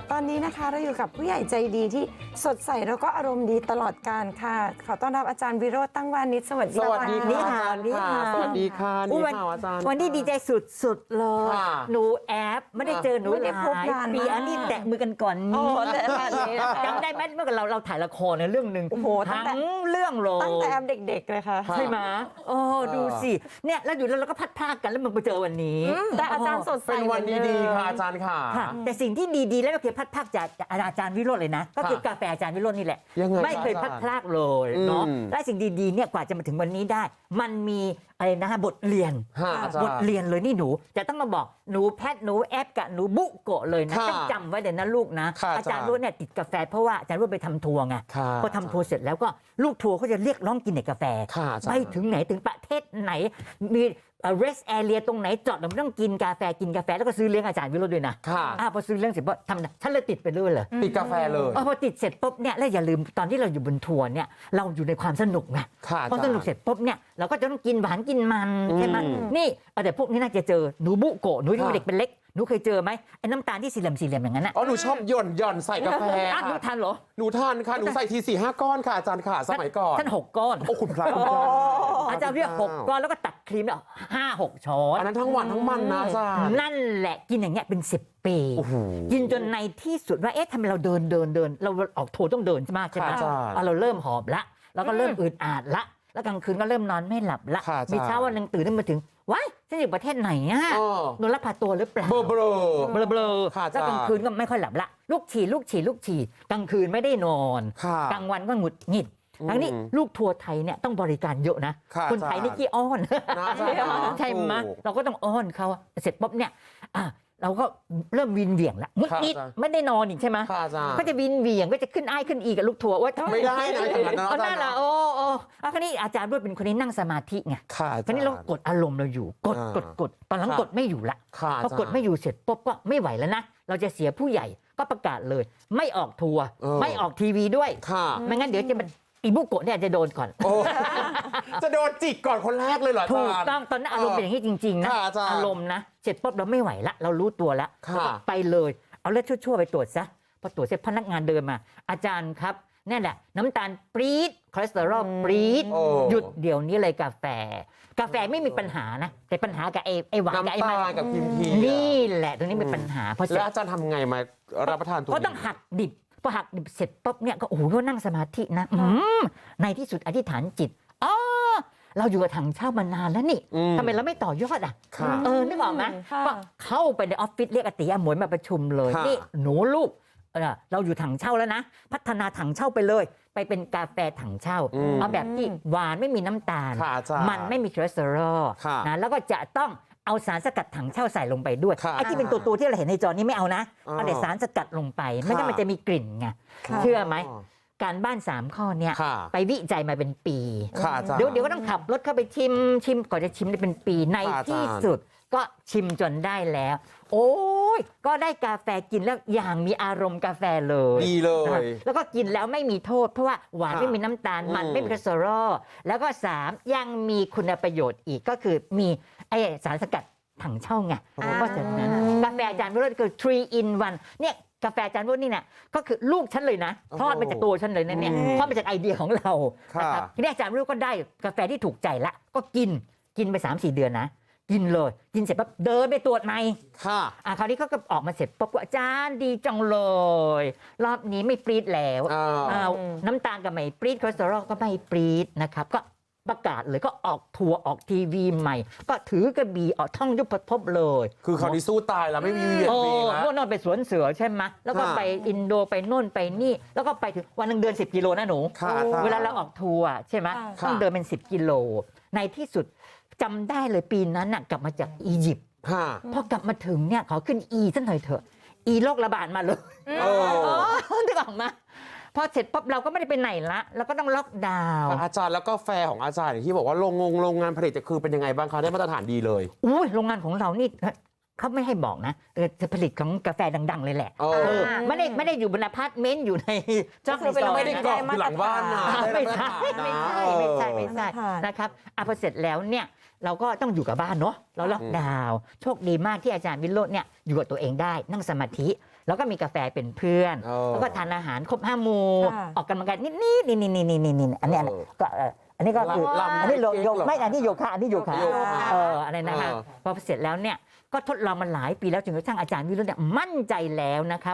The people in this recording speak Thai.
ตอนนี้นะคะเราอยู่กับผู้ใหญ่ใจดีที่สดใสแล้วก็อารมณ์ดีตลอดการค่ะขอต้อนรับอาจารย์วิโรจน์ตั้งวานิชสวัสดีสวัสดีค่ะสวัสดีค่ะสวัสดีค่ะนี่ค่ะอาจารย์วันนี้ดีใจสุดๆเลยค่ะหนูแอปไม่ได้เจอหนูไม่ได้พบหลายนานปีมากอันนี้แตะมือกันก่อนโอ้นี้แต่แบบนี้นะคะจำได้ไหมเมื่อก่อนเราถ่ายละครในเรื่องหนึ่งโอ้โหตั้ทั้งแต่งเรื่องเลยตั้งแต่แอมเด็กๆเลยค่ะค่ะใช่ไหมโอ้ดูสิเนี่ยแล้วอยู่แล้วเราก็พัดพรากกันแล้วมึงไปเจอวันนี้แต่อาจารย์สดใสเป็นวันหมือดีมๆค่ะอาจารย์ค่ะค่ะแต่สิ่งที่ดีๆแล้วก็คือพัดพรากจากอาจารย์วิโรจน์เลยนะ ก็คือกาแฟอาจารย์วิโรจน์นี่แหละยังไงไม่เคยอาจารย์พัดพรากเลยเนาะอืมและสิ่งดีๆเนี่ยกว่าจะมาถึงวันนี้ได้ มันมีอะไรนะบทเรียนค่ะอาจารบย์ทเรียนเลยนี่หนูจะต้องมาบอกหนูแพทหนูแอปกับหนูบุโกะเลยนะค่ะต้องจำไว้เลยนะลูกนะค่ะอาจารย์รุ่นเนี่ยติดกาแฟเพราะว่าอาจารย์รุ่นไปทำทัวร์ไงค่ะพอทำทัวร์เสร็จแล้วก็ลูกทัวร์เขาจะเรียกร้องกินแต่กาแฟค่ะอาจารย์ไปถึงไหนถึงประเทศไหนมีrest area ตรงไหนจอดเราไม่ต้องกินกาแฟแล้วก็ซื้อเลี้ยงอาจารย์วิโรจน์ด้วยนะค่ะพอซื้อเลี้ยงเสร็จปุ๊บทำนะฉันเลยติดไปเรื่อยเลยติดกาแฟเลยพอติดเสร็จปุ๊บเนี่ยแล้วอย่าลืมตอนที่เราอยู่บนทัวร์เนี่ยเราอยู่ในความสนุกไงค่ะพอสนุกเสร็จปุ๊บเนี่ยเราก็จะต้องกินหวานกินมันใช่ไหมอืมนี่แต่พวกนี้น่าจะเจอหนูบุโกะหนูที่ค่ะเด็กเป็นเล็กหนูเคยเจอไหมไอ้น้ำตาลที่สี่เหลี่ยมอย่างนั้นน่ะอ๋อหนูชอบหย่อนใส่กาแฟหนูทานเหรอหนูทานค่ะหนูใส่ที4-5 ก้อนค่ะอาจารย์ค่ะสมัยก่อนท่าน6 ก้อนโอ้คุณพระคุณเจ้าอาจารย์เรียก6 ก้อนแล้วก็ตักครีมแล้ว5-6 ช้อนอันนั้นทั้งวันทั้งมันนะอาจารย์นั่นแหละกินอย่างเงี้ยเป็น10 ปีโอ้โหกินจนในที่สุดว่าเอ๊ะทำไมเราเดินเราออกทัวร์ต้องเดินใช่ไหมค่ะอาจารย์เราเริ่มหอบละแล้วก็เริ่มอึดอัดละแล้วกลางคืนก็เริ่มนอนไม่หลับละค่ะอาจารย์มีเช้าวันหนึงตื่นขึ้นมาถึงว้ายฉันอยู่ประเทศไหนอ่ะเออโดนลักพาตัวหรือเปล่าเบลอเบลอค่ะอาจารย์แล้วกลางคืนก็ไม่ค่อยหลับละลูกฉี่กลางคืนไม่ได้นอนค่ะกลางวันก็หงุดหงิด ทั้งนี้ลูกทัวร์ไทยเนี่ยต้องบริการเยอะนะค่ะคนไทยนี่ขี้อ้อนนะอาจารย์นะใช่ไหมถูกเราก็ต้องอ้อนเขาเสร็จปุ๊บเนี่ยเราก็เริ่มวินเหวี่ยงละงุดค่ะหงิดอาจารย์ไม่ได้นอนอีกใช่ไหมค่ะอาจารย์ก็จะวินเหวี่ยงก็จะขึ้นอ้ายขึ้นอีกับลูกทัวร์ว่าไม่ได้นะอย่างนั้นนะเอาอาจารย์นั่นละโอ้คราวนี้อาจารย์ด้วยเป็นคนนี้นั่งสมาธิไงค่ะอาคราจาว รนี้ย์เรากดอารมณ์เราอยู่กดอ่าตอนหลังค่ะกดไม่อยู่ละค่ะพอกดไม่อยู่เสร็จปุ๊บก็ไม่ไหวแล้วนะเราจะเสียผู้ใหญ่ก็ประกาศเลย ไม่ออกทัวร์ไม่ออกทีวีด้วยค่ะไม่งั้นเดี๋ยวจะมันอีบุโกะเนี่ยจะโดนก่อนโอ้จะโดนจิกก่อนคนแรกเลยเหรออาถูจารกย์ต้องตอนนั้นอารมณ์เป็นอย่างนี้จริงๆนะค่ะอาจารย์อารมณ์นะเสร็จปุ๊บเราไม่ไหวละเรารู้ตัวละค่ะแล้วก็ไปเลยเอาเลือดชั่วๆไปตรวจซะพอตรวจเสร็จพนักงานเดินมา อาจารย์ครับนั่นแหละน้ำตาลปรี๊ดคอเลสเตอรอลปรี๊ดโอ้หยุดเดี๋ยวนี้เลยกาแฟไม่มีปัญหานะแต่ปัญหากับไอ้หวานกับไอ้น้ำมัตาลนกับกิมทีนี่แหละตรงนี้เป็นปัญหาเพราะเสร็แล้จวอาจารย์ทำไงมารับประทานตัวก็นี้ต้องหักดิบพอหักดิบเสร็จปุ๊บเนี่ยก็โอ้โหก็นั่งสมาธินะในที่สุดอธิษฐานจิตอ๋อเราอยู่กับถังเช่ามานานแล้วนี่อืมทำไมเราไม่ต่อยอดอ่ะค่ะนึกออกไหมค่ะก็เข้าไปในออฟฟิศเรียกอาติอาหมวยมาประชุมเลยค่ะนี่หนูลูกเราอยู่ถังเช่าแล้วนะ พัฒนาถังเช่าไปเลย ไปเป็นกาแฟถังเช่า เอาแบบที่หวานไม่มีน้ำตาลค่ะอาจารย์มันไม่มีคอเลสเตอรอลค่ะนะแล้วก็จะต้องเอาสารสกัดถังเช่าใส่ลงไปด้วยค่ะไอ้ที่เป็นตัวที่เราเห็นในจอนี้ไม่เอานะอ๋อเอาแต่สารสกัดลงไป ไม่งั้นค่ะมันจะมีกลิ่นไงค่ะเชื่อไหมการบ้าน 3 ข้อเนี่ยค่ะไปวิจัยมาเป็นปีค่ะอาจารย์เดี๋ยวก็ต้องขับรถเข้าไปชิมก่อนจะชิมได้เป็นปีในค่ะอาจารย์ที่สุดก็ชิมจนได้แล้ว โอ้ยก็ได้กาแฟกินแล้วอย่างมีอารมณ์กาแฟเลยดีเลนะยแล้วก็กินแล้วไม่มีโทษ เพราะว่าหวานค่ะไม่มีน้ำตาลมันอืมไม่มีคอเลสเตอรอลแล้วก็ 3 ยังมีคุณประโยชน์อีกก็คือมีไอสารสกัดถังเช่าไงเพราะฉะนั้นกาแฟอาจารย์วิโรจน์คือ 3 in 1เนี่ยกาแฟอาจารย์วิโรจน์นี่เนี่ยก็คือลูกฉันเลยนะทอดมาจากตัวฉันเลยนะเนี่ยทอดมาจากไอเดียของเราค่ะนะครับทีนี้อาจารย์วิโรจน์ก็ได้กาแฟที่ถูกใจละก็กินไป 3-4 เดือนนะ กินเลยกินเสร็จปั๊บเดินไปตรวจใหม่ค่ะคราวนี้เขาก็ออกมาเสร็จปุ๊บว่าอาจารย์ดีจังเลย รอบนี้ไม่ปรี๊ดแล้ว น้ำตาลก็ไม่ปรี๊ดคอเลสเตอรอลก็ไม่ปรี๊ดนะครับก็ประกาศเลยก็ออกทัวร์ออกทีวีใหม่ ก็ถือกระบี่ออกท่องยุบพบเลยคือคราวนี้สู้ตายแล้วไม่มีเวียนโอ้วีแล้วโน่นไปสวนเสือใช่ไหมแล้วก็ค่ะไปอินโดไปโน่นไปนี่ แล้วก็ไปถึงวันหนึงเดิน 10 กิโลนะหนูค่ะอาจารย์เวลาเราออกทัวร์ใช่ไหมค่ะต้องเดินเป็น 10 กิโล ในที่สุดจำได้เลยปีนั้นน่ะกลับมาจากอียิปต์ค่ะพอกลับมาถึงเนี่ยขอขึ้นสักหน่อยเถอะโรคระบาดมาเลยเออนึกออกมาพอเสร็จปุ๊บเราก็ไม่ได้ไปไหนละเราก็ต้องล็อกดาวน์อาจารย์แล้วก็แฟร์ของอาจารย์อย่างที่บอกว่าโรงงานผลิตจะคือเป็นยังไงบ้างคะได้มาตรฐานดีเลยอุ้ยโรงงานของเรานี่เขาไม่ให้บอกนะจะผลิตของกาแฟดัง ๆ เลยแหละเออไม่ได้อยู่บนอพาร์ตเมนต์อยู่ในก็คือเป็นโรงไม่ได้กรอกอยู่หลังบ้านนะไม่ใช่ได้ไม่ใช่มาตรฐานนะไม่ใช่ค่ะนะครับพอเสร็จแล้วเนี่ยเราก็ต้องอยู่กับบ้านเนาะเราล็อกดาวน์โชคดีมากที่อาจารย์วิโรจน์เนี่ยอยู่กับตัวเองได้นั่งสมาธิแล้วก็มีกาแฟเป็นเพื่อน แล้วก็ทานอาหารครบ5 หมู่ค่ะออกกำลังกายนิดๆนี่อันนี้ก็อันนี้ก็คือลำอันนี้โยเก๊กเหรอไม่อันนี้โยคะอันนี้โยคะโยคะอะไรนะคะพอเสร็จแล้วเนี่ยก็ทดลองมาหลายปีแล้วจนกระทั่งอาจารย์วิโรจน์เนี่ยมั่นใจแล้วนะคะ